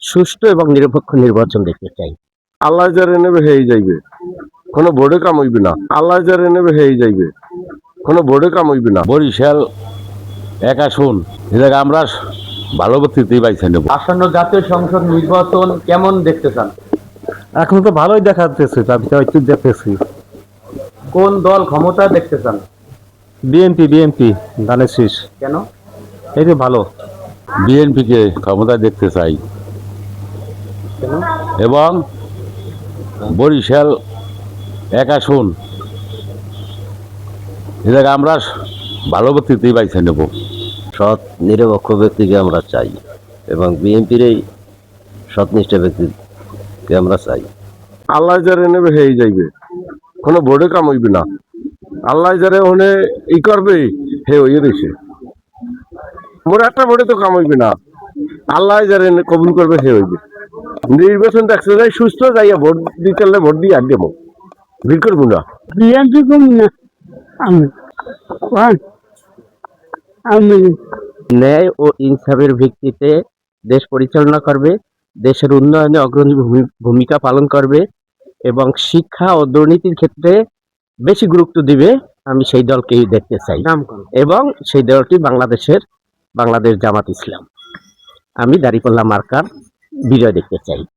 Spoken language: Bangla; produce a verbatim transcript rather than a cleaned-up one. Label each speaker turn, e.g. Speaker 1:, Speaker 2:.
Speaker 1: সুষ্ঠু এবং নিরপেক্ষ নির্বাচন দেখতে চাই।
Speaker 2: আল্লাহ যারে নেবে হেই যাইবে, কোনো বোর্ডে কাম হইবে না। আল্লাহ যারে নেবে হেই যাইবে, কোনো বোর্ডে কাম হইবে না।
Speaker 3: বরিশাল এক আসন, এ জায়গায় আমরা ভালো ব্যক্তিতেই বাইছে নেব।
Speaker 4: আসন্ন জাতীয় সংসদ নির্বাচন কেমন দেখতে চান?
Speaker 5: এখন তো ভালোই দেখাতেছে, আমি তো একটু দেখতেছি।
Speaker 4: কোন দল ক্ষমতা দেখতে চান?
Speaker 5: বিএনপি বিএনপি ধানের শীষ,
Speaker 4: কেন?
Speaker 5: এই যে ভালো।
Speaker 3: বিএনপিকে ক্ষমতা দেখতে চাই এবং বরিশাল এক আসন, এ জায়গায় আমরা ভালো ব্যক্তিতেই বাইছে নেব।
Speaker 1: সৎ নিরপেক্ষ ব্যক্তিকে আমরা চাই এবং বিএনপির এই সৎনিষ্ঠ ব্যক্তিকে আমরা চাই।
Speaker 2: আল্লাহ যারে নেবে হেই যাইবে, কোনো বোর্ডে কাম হইবে না। আল্লাহ যারে ওখানে ই করবে হে হইয়ে রয়েছে, মোর একটা বোর্ডে তো কাম হইবে না। আল্লাহ যারে কবুল করবে হে হইবে। নির্বাচন দেখতে যাই সুস্থ যাইয়া ভোট দিতে ভোট দিয়ে আর দেবো, ভিড় করবো না।
Speaker 6: বিএনপি কম না, আমি আমি
Speaker 1: ন্যায় ও ইনসাফের ভিত্তিতে দেশ পরিচালনা করবে, দেশের উন্নয়নে অগ্রণী ভূমিকা পালন করবে এবং শিক্ষা ও দুর্নীতির ক্ষেত্রে বেশি গুরুত্ব দিবে, আমি সেই দলকেই দেখতে চাই। এবং সেই দলটি বাংলাদেশের বাংলাদেশ জামাত ইসলাম। আমি দাঁড়িপাল্লা মার্কার বিজয় দেখতে চাই।